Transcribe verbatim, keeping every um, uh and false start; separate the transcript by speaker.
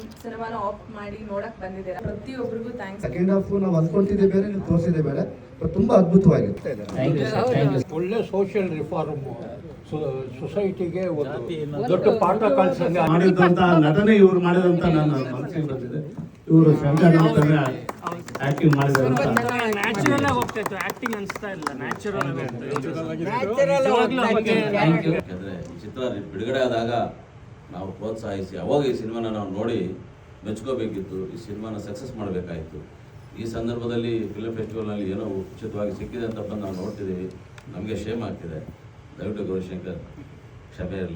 Speaker 1: ಸಿನಿಮಾನ ಆಫ್ ಮಾಡಿ ನೋಡಕ್ ಬಂದಿದ್ದೀರಾ. ಪ್ರತಿಯೊಬ್ಬರಿಗೂ ಥ್ಯಾಂಕ್ಸ್.
Speaker 2: ಸೆಕೆಂಡ್ ಹಾಫ್ ನಾವು ಅಂದ್ಕೊಂತಿದ್ದೆ ಬೇರೆ, ನೀವು ತೋರಿಸಿದೆ ಬೇರೆ, ಬಟ್ ತುಂಬಾ ಅದ್ಭುತವಾಗಿರುತ್ತೆ.
Speaker 3: ಒಳ್ಳೆ ಸೋಷಿಯಲ್ ರಿಫಾರ್ಮ್, ಸೊಸೈಟಿಗೆ ಒಂದು ದೊಡ್ಡ ಪಾಠ ಕಲಿಸಂಗೆ
Speaker 4: ಮಾಡಿದಂತ ನಟನೆ ಇವ್ರು ಮಾಡಿದಂತ ನನ್ನ ಮನಸ್ಸಿಗೆ ಬಂದಿದೆ. ಇವರು ಶಂಕರ್ ಆಕ್ಟಿಂಗ್ ಮಾಡಿದ್ದಾರೆ.
Speaker 5: ನ್ಯಾಚುರಲ್ ಆಗಿ ಹೋಗ್ತಾ ಆಕ್ಟಿಂಗ್ ಅನ್ಸ್ತಾ ಇಲ್ಲ, ನ್ಯಾಚುರಲ್ ಆಗಿ
Speaker 6: ಯಾಕಂದ್ರೆ ಚಿತ್ರ ಬಿಡುಗಡೆ ಆದಾಗ ನಾವು ಪ್ರೋತ್ಸಾಹಿಸಿ ಅವಾಗ ಈ ಸಿನಿಮಾನ ನಾವು ನೋಡಿ ಮೆಚ್ಕೋಬೇಕಿತ್ತು, ಈ ಸಿನಿಮಾನ ಸಕ್ಸಸ್ ಮಾಡಬೇಕಾಯಿತು. ಈ ಸಂದರ್ಭದಲ್ಲಿ ಫಿಲ್ಮ್ ಫೆಸ್ಟಿವಲ್ನಲ್ಲಿ ಏನೋ ಉಚಿತವಾಗಿ ಸಿಕ್ಕಿದೆ ಅಂತ ಬಂದು ನಾವು ನೋಡ್ತಿದ್ದೀವಿ, ನಮಗೆ ಶೇಮ್ ಆಗ್ತಿದೆ. ದಯವಿಟ್ಟು ಗೌರಿಶಂಕರ್ ಕ್ಷಮೆ ಇರಲಿ.